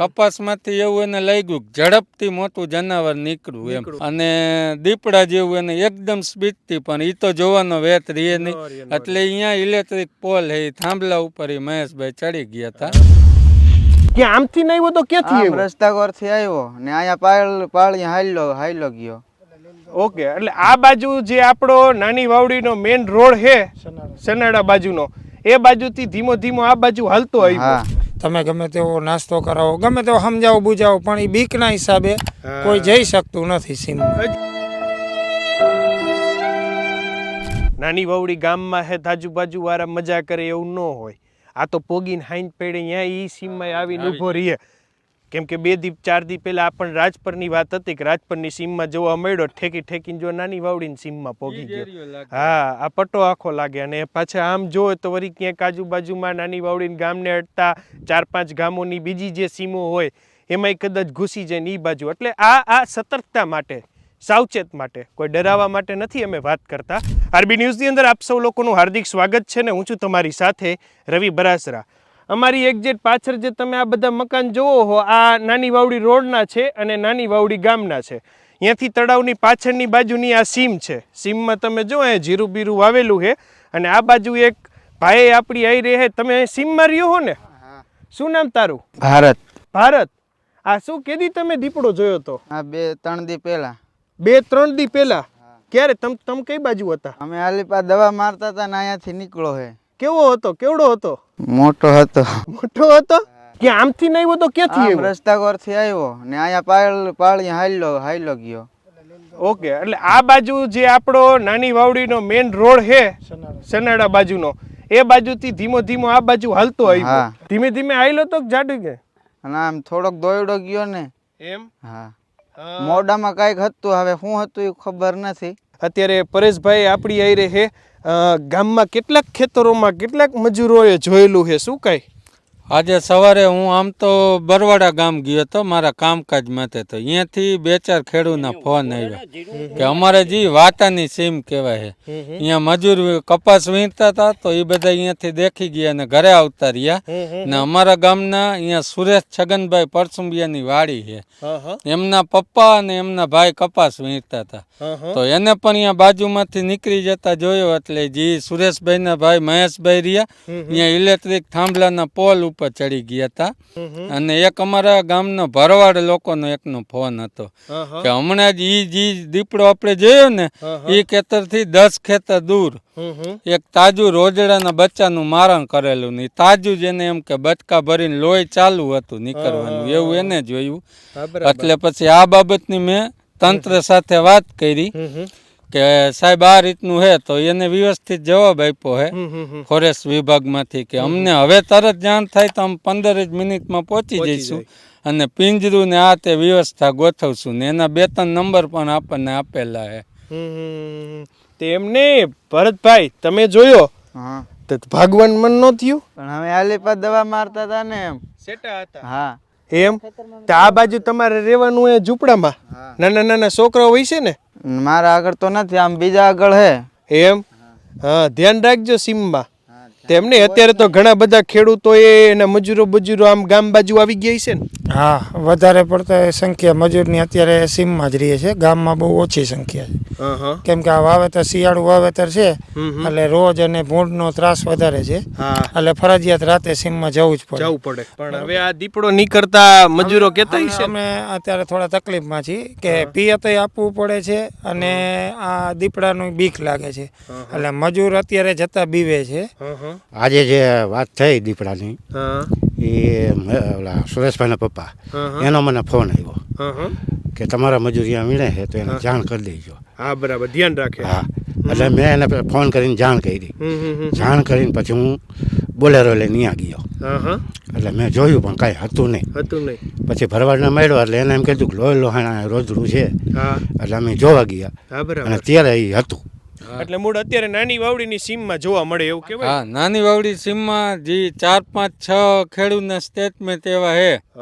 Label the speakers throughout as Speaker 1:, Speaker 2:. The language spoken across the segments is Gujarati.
Speaker 1: કપાસમાંથી એવું એને લાગ્યું ઝડપથી મોટું જનાવર નીકળ્યું એમ, અને દીપડા જેવું એને એકદમ સ્પીડથી, પણ એ તો જોવાનો વેત રહે નહીં, એટલે અહીંયા ઇલેક્ટ્રિક પોલ હે થાંભલા ઉપર મહેશભાઈ ચડી ગયા હતા.
Speaker 2: કે આમથી નહીં આવ્યો તો ક્યાંથી આવ્યો?
Speaker 3: રસ્તા પરથી આવ્યો ને અહીંયા પાળી હાલ્યો ગયો.
Speaker 2: ઓકે, એટલે આ બાજુ જે આપણો નાની વાવડીનો મેઇન રોડ છે સનાડા બાજુનો, એ બાજુથી ધીમો ધીમો આ બાજુ હાલતો આવ્યો.
Speaker 4: તમે ગમે તેવો નાસ્તો કરાવો, ગમે તેવો સમજાવો બુજાવો, પણ એ બીકના હિસાબે કોઈ જઈ શકતું નથી સીમમાં.
Speaker 2: નાની વાવડી ગામમાં હે આજુબાજુ વાળા મજા કરે એવું ન હોય. આ તો પોગીને હાઈન પેડે અહીંયા ઈ સીમમાં આવીને ઊભો રહીએ. કેમ કે 2 દી 4 દી પહેલા આપણને રાજપરની વાત હતી કે રાજપરની સીમમાં જોવા મળ્યો, ઠેકીને જો નાની વાવડીની સીમમાં પોગી ગયો. હા, આ પટ્ટો આખો લાગે. અને પાછા આમ જોવે તો વળી ક્યાંક આજુબાજુમાં નાની વાવડીને ગામને અડતા 4-5 ગામોની બીજી જે સીમો હોય એમાંય કદાચ ઘૂસી જાય ને એ બાજુ. એટલે આ સતર્કતા માટે, સાવચેત માટે, કોઈ ડરાવવા માટે નથી અમે વાત કરતા. આરબી ન્યૂઝની અંદર આપ સૌ લોકોનું હાર્દિક સ્વાગત છે ને હું છું તમારી સાથે રવિ બરાસરા. અમારી એક્ઝેક્ટ પાછળ જે તમે આ બધા મકાન જોવો હો, આ નાની વાવડી રોડના છે અને નાની વાવડી ગામના છે. અહીંયાથી તળાવની પાછળની બાજુની આ સીમ છે. સીમમાં તમે જો અહીંયા જીરું બીરું વાવેલું છે, અને આ બાજુ એક ભાઈ આપણી આવી રહે. તમે સીમમાં રહ્યો હો ને? શું નામ તારું?
Speaker 3: ભારત.
Speaker 2: ભારત, આ શું કેદી તમે દીપડો જોયો તો?
Speaker 3: 2-3 દી પહેલા.
Speaker 2: 2-3 દી પહેલા? ક્યારે? તમ કઈ બાજુ હતા?
Speaker 3: અમે આલીપા દવા મારતા હતા ને અહીંયાથી નીકળો હે.
Speaker 2: કેવો હતો? કેવડો હતો?
Speaker 3: મોટો હતો.
Speaker 2: મોટો હતો? કે આમથી નહીં આવ્યો તો ક્યાંથી આવ્યો?
Speaker 3: રસ્તા પરથી આવ્યો ને અહીંયા પાળી હાલ્યો ગયો.
Speaker 2: ઓકે, એટલે આ બાજુ જે આપણો નાની વાવડીનો મેઇન રોડ છે સનાડા બાજુનો, એ બાજુથી ધીમો ધીમો આ બાજુ હાલતો આવ્યો. ધીમે ધીમે હાલ્યો તો જાડુ કે?
Speaker 3: અને આમ થોડોક દોડ્યો ગયો ને
Speaker 2: એમ.
Speaker 3: હા, મોઢામાં કાંઈક હતું, હવે શું હતું એ ખબર નથી.
Speaker 2: અત્યારે પરેશભાઈ આપણી આઈ રહે. ગામમાં કેટલાક ખેતરોમાં કેટલાક મજૂરોએ જોયેલું છે. શું કાંઈ?
Speaker 1: આજે સવારે હું આમ તો બરવાડા ગામ ગયો હતો મારા કામકાજ માટે, તો અહીંયાથી 2-4 ખેડૂતના ફોન આવ્યા કે અમારે જે વાતાની સીમ કહેવાય છે, અહીંયા મજૂર કપાસ વીણતા હતા, તો એ બધા અહીંયાથી દેખી ગયા અને ઘરે આવતા રહ્યા. ને અમારા ગામના અહીંયા સુરેશ છગનભાઈ પરસુંબિયાની વાડી છે, એમના પપ્પા અને એમના ભાઈ કપાસ વીણતા હતા, તો એને પણ અહીંયા બાજુમાંથી નીકળી જતા જોયો. એટલે જે સુરેશભાઈના ભાઈ મહેશભાઈ રહ્યા, અહીંયા ઇલેક્ટ્રિક થાંભલાના પોલ ઉપર ચડી ગયા હતા. અને એક અમારા ગામનો ભરવાડ લોકોનો એકનો ફોન હતો કે હમણાં જ જે દીપડો આપણે જોયો ને, એ ખેતરથી 10 ખેતર દૂર એક તાજુ રોજડાના બચ્ચાનું મારણ કરેલું ને તાજુ જ એને એમ કે બચકા ભરીને લોહી ચાલુ હતું નીકળવાનું, એવું એને જોયું. એટલે પછી આ બાબતની મેં તંત્ર સાથે વાત કરી કે સાહેબ આ રીતનું હે, તો એને વ્યવસ્થિત જવાબ આપ્યો હે ફોરેસ્ટ વિભાગમાંથી કે અમને હવે તરત જાણ થાય તો અમે 15 જ મિનિટમાં પહોંચી જઈશું અને પિંજરું ને આ તે વ્યવસ્થા ગોઠવશું ને એના 2-3 નંબર પણ આપણને આપેલા હે.
Speaker 2: તે એમને ભરતભાઈ તમે જોયો તો ભગવાન મન નો થયું?
Speaker 3: પણ હવે આલીપા દવા મારતા હતા ને એમ
Speaker 2: સેટા હતા.
Speaker 3: હા
Speaker 2: એમ. તો આ બાજુ તમારે રહેવાનું એ ઝૂંપડામાં નાના નાના છોકરાઓ હોય છે ને?
Speaker 3: મારા આગળ તો નથી, આમ બીજા આગળ હે.
Speaker 2: એમ. હા, ધ્યાન રાખજો સીમમાં. તેમને અત્યારે તો ઘણા બધા ખેડૂતો એના મજૂરો આમ ગામ બાજુ આવી ગયા છે ને?
Speaker 4: હા, વધારે પડતા સંખ્યા મજૂરની અત્યારે સીમમાં જ રહે છે, ગામમાં બહુ ઓછી સંખ્યા છે. કેમ કે આ વાવેતર શિયાળુ વાવેતર છે, એટલે રોજ અને ભૂંડનો ત્રાસ વધારે છે, એટલે ફરજિયાત રાતે સીમમાં જવું પડે.
Speaker 2: પણ હવે આ દીપડો નીકળતા મજૂરો કહેતા છે
Speaker 4: અમે અત્યારે થોડા તકલીફમાં છીએ કે પિયતય આપવું પડે છે અને આ દીપડાનું બીક લાગે છે, એટલે મજૂર અત્યારે જતા બીવે છે.
Speaker 5: આજે જે વાત થઈ દીપડાની, એ સુરેશભાઈના પપ્પા, એનો મને ફોન આવ્યો કે તમારા મજૂરિયા વીણે છે તો એને જાણ કરી દેજો.
Speaker 2: હા, બરાબર, ધ્યાન રાખે.
Speaker 5: હા, એટલે મેં એને ફોન કરીને જાણ કરી. જાણ કરીને પછી હું બોલેરો લઈને ત્યાં ગયો. એટલે મેં જોયું પણ કાંઈ હતું નહીં. પછી ભરવાડને મળ્યો એટલે એને એમ કીધું કે લોહી લોહાણા રોજડું છે, એટલે અમે જોવા ગયા અને ત્યારે એ હતું.
Speaker 2: એટલે મૂળ અત્યારે નાની વાવડીની સીમમાં જોવા મળે એવું કહેવાય.
Speaker 1: હા, નાની વાવડી સીમમાં જે 4-5-6 ખેડૂતના સ્ટેટમેન્ટ એવા હે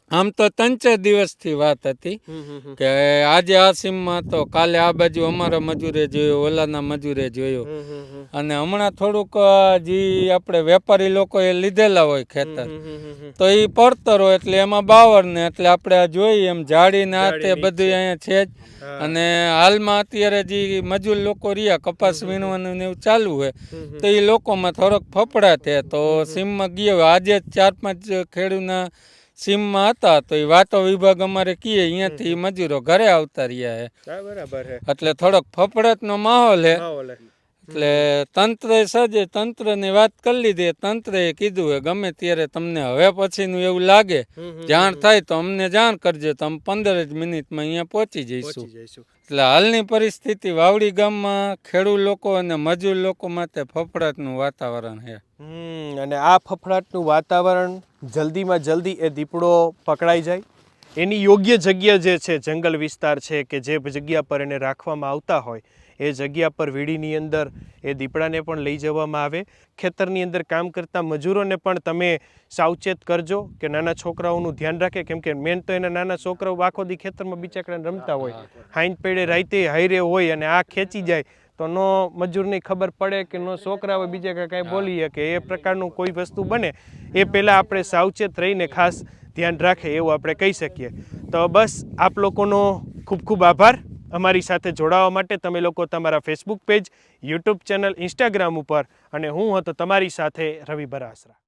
Speaker 1: આમ તો 3-4 દિવસથી વાત હતી કે આજે આ સીમમાં તો કાલે આ બાજુ અમારા મજૂરે જોયો, ઓલાના મજૂરે જોયો, અને હમણાં થોડુંક જે આપણે વેપારી લોકોએ લીધેલા હોય ખેતર તો એ પડતર હોય એટલે એમાં બાવર ને એટલે આપણે આ જોઈએ એમ જાળીને આ તે બધું અહીંયા છે જ. અને હાલમાં અત્યારે જે મજૂર લોકો રહ્યા કપાસ વીણવાનું ને એવું ચાલુ હોય તો એ લોકોમાં થોડોક ફફડાટ છે. તો સીમમાં ગયો આજે 4-5 ખેડૂતના સીમમાં હતા તો એ વાતો વિભાગ અમારે કીએ અહીંયાથી મજૂરો ઘરે આવતા રહ્યા છે
Speaker 2: બરાબર છે
Speaker 1: એટલે થોડોક ફફડાટનો માહોલ છે. એટલે તંત્રએ સજે તંત્રની વાત કરી લીધી. તંત્રએ કીધું છે ગમે ત્યારે તમને હવે પછીનું એવું લાગે જાણ થાય તો અમને જાણ કરજો તો અમે 15 જ મિનિટમાં અહીંયા પહોંચી જઈશું. એટલે હાલની પરિસ્થિતિ વાવડી ગામમાં ખેડૂત લોકો અને મજૂર લોકો માટે ફફડાટનું વાતાવરણ છે.
Speaker 2: અને આ ફફડાટનું વાતાવરણ જલ્દીમાં જલ્દી એ દીપડો પકડાઈ જાય એની યોગ્ય જગ્યા જે છે જંગલ વિસ્તાર છે કે જે જગ્યા પર એને રાખવામાં આવતા હોય એ જગ્યા પર વીડીની અંદર એ દીપડાને પણ લઈ જવામાં આવે. ખેતરની અંદર કામ કરતા મજૂરોને પણ તમે સાવચેત કરજો કે નાના છોકરાઓનું ધ્યાન રાખે, કેમ કે મેન તો એના નાના છોકરાઓ આખો દી ખેતરમાં બિચાકડાને રમતા હોય, હાઈન પેડે રાઈતે હાઈરે હોય અને આ ખેંચી જાય તો નો મજૂરની ખબર પડે કે નો છોકરા હોય બીજા કાંઈ બોલીએ કે એ પ્રકારનું કોઈ વસ્તુ બને એ પહેલાં આપણે સાવચેત રહીને ખાસ ધ્યાન રાખે એવું આપણે કહી શકીએ. તો બસ આપ લોકોનો ખૂબ ખૂબ આભાર અમારી સાથે જોડાવા માટે. તમે લોકો તમારા Facebook page, YouTube channel, Instagram ઉપર, અને હું હતો તમારી સાથે રવિ બરાસરા.